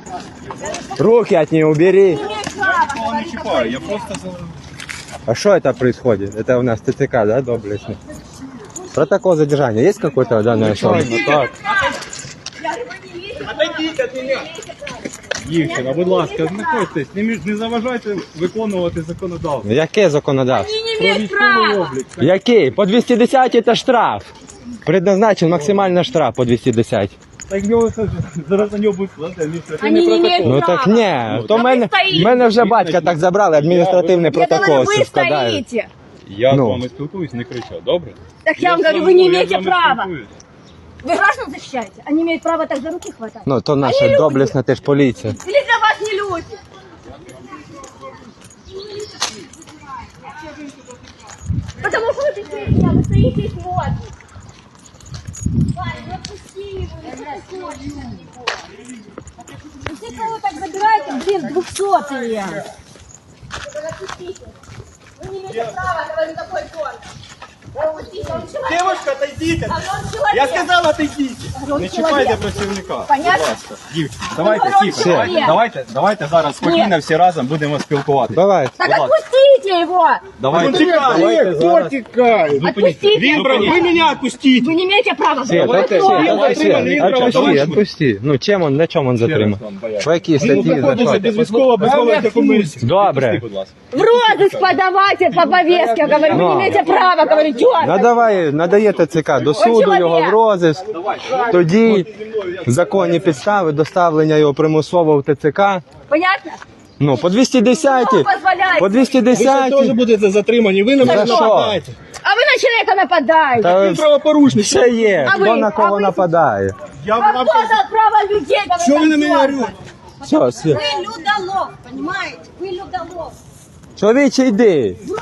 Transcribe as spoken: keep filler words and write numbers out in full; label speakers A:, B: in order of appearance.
A: Руки от нее убери.
B: Я не чіпаю, я просто...
A: А что это происходит? Это у нас ТЦК, да, доблестный? Протокол задержания есть какой-то данной особы?
B: Так. Дівчина, будь ласка, знаходьтесь, не, між- не заважайте виконувати законодавство.
A: Яке законодавство?
B: Про військовий облік.
A: Який? По двісті десять это штраф. Предназначен максимально штраф по двісті десять.
B: Так в нього зараз на нього буде складати
C: Они
B: адміністративний
C: не
B: протокол.
A: Ну так ні, то
C: Та
A: мене,
C: ви стоїте.
A: мене вже батька так забрали, адміністративний
C: Я говорю,
A: протокол
C: вы
A: складають.
C: стоите.
B: Я
A: Ну.
B: з вами спілкуюсь, не кричав, добре?
C: Так я вам
B: з
C: говорю,
B: вами-
C: вы не
B: я з
C: имеете
B: вами
C: права.
B: спілкуюсь.
C: Вы граждан защищаете. Они имеют право так за руки хватать.
A: Ну то
C: Они
A: наша
C: люди.
A: доблесна теж поліція.
C: Или для вас не люди? Потому что вы такие, вы стоите и смотрите. Парень, ну отпусти его, ну что ты хочешь? Ну все, кого так забираете, блин, двухсотые. Отпустите. Вы не имеете права говорить такой тон. Отпустите, он человек.
B: Девушка, отойдите!
C: А он человек.
B: Я сказав, отойдіть!
C: Он
B: Не
C: человек.
B: чіпайте працівника.
C: Понятно?
B: Будь ласка. Дівчина, давайте
C: говорить,
B: тихо,
C: все.
B: давайте, давайте, давайте зараз спокійно всі разом будемо спілкуватися.
A: Давай.
C: Так
B: Будь ласка.
C: отпустите его!
B: Давайте, давайте зараз.
C: Отпустите!
B: Вы меня отпустите!
C: Вы не имеете права!
A: Свет,
C: Вы
A: это,
C: кто?
A: Свет,
B: Давай,
A: это, Свет,
B: Свет,
A: отпусти,
B: давай.
A: отпусти. Ну, чим он, на чому він затримав?
B: вам бояться.
A: По якій статті, за
B: Знаходиться
A: що?
B: без військового, без військових документів.
A: Добре.
B: Відпусти, будь ласка.
C: В розыск подавайте по повестке, говорю, вы
A: Ну.
C: не имеете права, говорю, чё?
A: Надавай, надає ТЦК до суду його в розиск, тоді законні підстави доставлення його примусово в ТЦК.
C: Понятно?
A: Ну, по двісті десять,
C: Хто дозволяє?
A: по двісті
B: Ви ще теж
A: десять.
B: будете затримані, ви на
A: За
B: мене
A: що?
B: нападаєте.
C: А вы на человека нападаете!
A: Та
B: Ви правопорушник.
A: ще є,
C: А
A: хто
C: ви?
A: на
C: А
A: кого
C: ви?
A: нападає.
B: Я
C: А
B: вам
C: кто дал право людей говорить?
B: Що ви на мене орете?
A: Все, все.
C: Вы людолов, понимаете? Вы людолов.
A: Чоловіче, йди.
C: В